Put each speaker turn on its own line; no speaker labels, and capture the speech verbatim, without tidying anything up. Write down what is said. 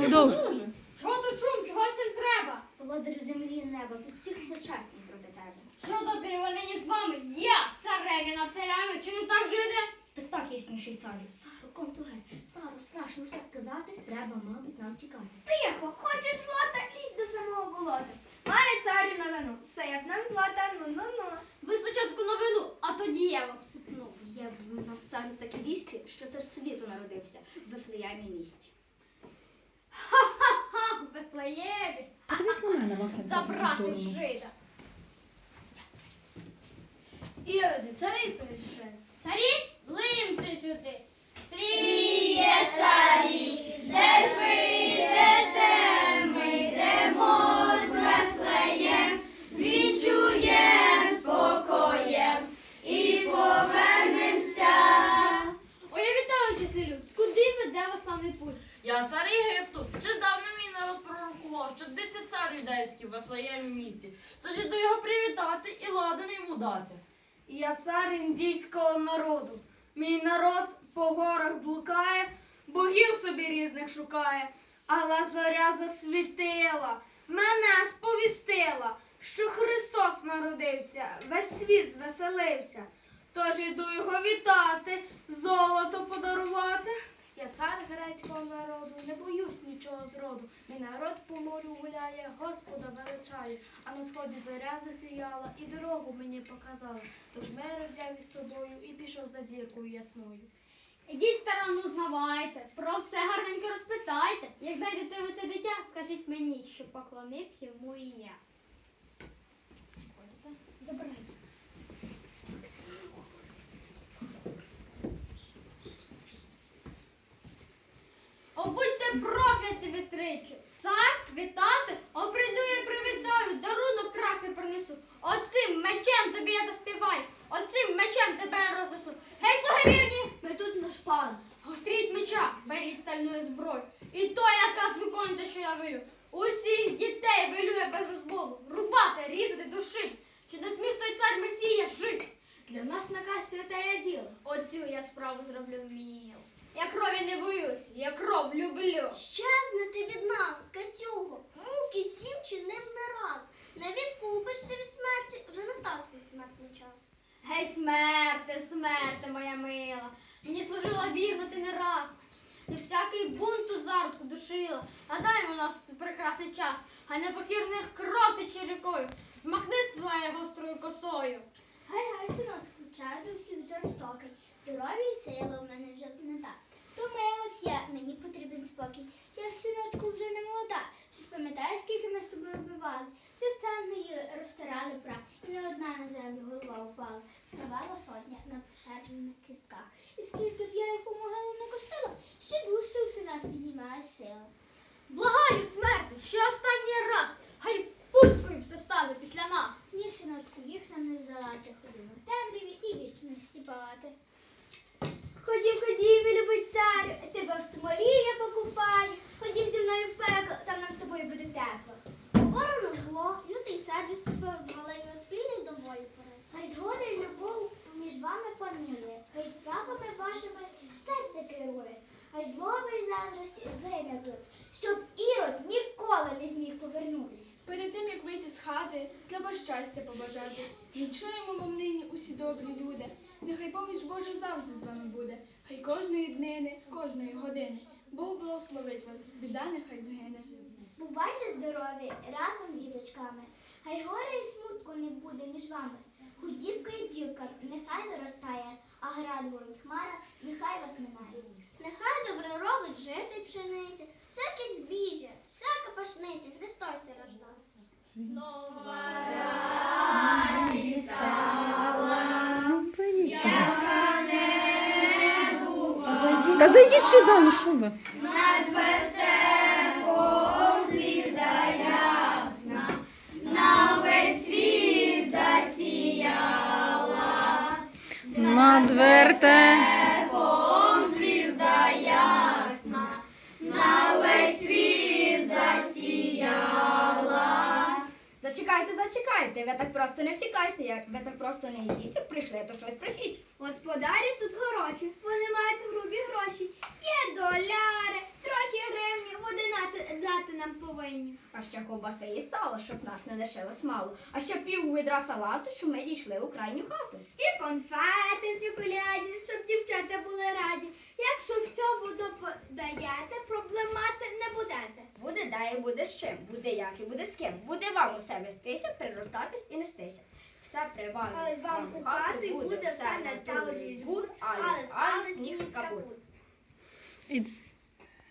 Продовжуй.
Чого то чум, чого всім треба?
Володарю землі і неба, тут всіх дочасні проти тебе.
Що за диво нині з вами? Я цареві над царями, чи не так жити?
Так так, ясніший царю. Саро, контуге, Саро, страшно все сказати, треба, мабуть, нам тікати.
Тихо, хочеш злота, лізь до самого болота. Має царю новину, все як нам злота, ну-ну-ну.
Ви спочатку новину, а тоді я вам сипну.
Є в нас царю такі вісті, що цар світу народився в Вифлеємі місті.
Ха-ха-ха, в Вифлеємі.
Подивись на мене, Максим, в
Забрати
сторону.
жида.
Іроди, царі прийшли.
Царі, злимте сюди.
Тріє царі, де ж ви йдете, ми йдемо з Вифлеєм, відчуєм спокоєм і повернемося.
Ой, я вітаю, чесний люд. Куди веде вас славний путь?
Я цар Єгипту, чи здавна мій народ пророкував, що вдиться цар юдейський в Вифлеємі місті, тож іду його привітати і ладен йому дати.
Я цар індійського народу. Мій народ по горах блукає, богів собі різних шукає. Але зоря засвітила, мене сповістила, що Христос народився, весь світ звеселився. Тож іду його вітати, золото подарувати. Я цар грецького народу, не боюсь нічого зроду. Мій народ по морю гуляє, Господа величає, а на сході зоря засіяла і дорогу мені показала. Тож мир взяв із собою і пішов за зіркою ясною.
Ідіть сторону знавайте, про все гарненько розпитайте. Як знайдете ви це дитя, скажіть мені, що поклонився йому і я. Забирайте. О, будьте прокляті вітричі! Цар вітати, о, прийду я і привітаю, дарунок красний принесу. Оцим мечем тобі я заспіваю, оцим мечем тебе я рознесу. Гей, слуги вірні, ми тут наш пан. Гостріть меча, беріть стальної зброї. І то наказ виконуйте, що я велю. Усіх дітей велю я без розболу. Рубати, різати, душить. Чи не зміг той цар Месія жить?
Для нас наказ святає діло.
Оцю я справу зроблю вміло. Я крові не боюсь, я кров люблю.
Щезнете від нас, Катюго, муки всім чинив не раз. Не відкупишся від смерті, вже настав твій смертний час.
Гей, смерте, смерте, моя мила, мені служила вірно ти не раз. Ти всякий бунт у зародку душила, а дай у нас прекрасний час, хай непокірних кров тече рікою, змахни своєю гострою косою.
Гай-гай, синочку, час до всіх жорстокий, здоров'я і сила в мене вже не так. Втомилась я, мені потрібен спокій. Я, синочку, вже не молода. Чи ж пам'ятаєш, скільки ми з тобою вбивали? Серцем мої розтирали прах, і не одна на землю голова упала. Вставала сотня на пошарпаних кістках. І скільки б я їх у могилу не косила, ще дужче у синах піднімає сила.
Благаю, смерти, ще останній раз, хай пусткою все стане після нас.
Ні, синочку, їх нам не здолати, ходимо в темряві і вічності палати.
Ходім, ходім, мій любий царю, тебе в смолі я покупаю. Ходім зі мною в пекло, там нам з тобою буде тепло.
Ворону зло, лютий сервіс купив, звалив його спільний до волі порад. Хай згода й любов між вами панує, хай справами вашими серце керує, хай злоби й заздрості згине тут, щоб Ірод ніколи не зміг повернутися.
Перед тим, як вийти з хати, треба щастя побажати. Відчуємо вам нині усі добрі люди. Нехай поміч Божа завжди з вами буде. Хай кожної днини, кожної години Бог благословить вас, біда нехай згине.
Бувайте здорові разом з діточками, хай горе і смутку не буде між вами. Худібка і бджілка нехай виростає, а градова і хмара нехай вас минає. Нехай добре робить жити пшениця, всяке збіжжя, всяка пашниця, Христос се рождав.
Нова
Зайдіть сюди. Та зайдіть сюди, ну що ви?
Над вертепом звізда ясна, на весь світ засіяла.
Над
вертепом звізда ясна, на весь світ засіяла.
Зачекайте, зачекайте, ви так просто не втікайте, як ви так просто не йдіть, як прийшли, то щось просіть.
Господарі тут хороші, вони мають грубі гроші. Є доляри, трохи гривні, води
нам повинні.
А ще ковбаси і сало, щоб нас не лишилось мало. А ще пів відра салату, щоб ми дійшли у крайню хату.
І конфети в чоколяді, щоб дівчата були раді. Якщо все воду подаєте, проблем мати не будете.
Буде де і буде з чим, буде як і буде з ким. Буде вам усе вестися, приростатись і нестися. Все при вам,
Але вам у хату буде все на таврі
гуд, аліс, аліс, ніг капут.
І-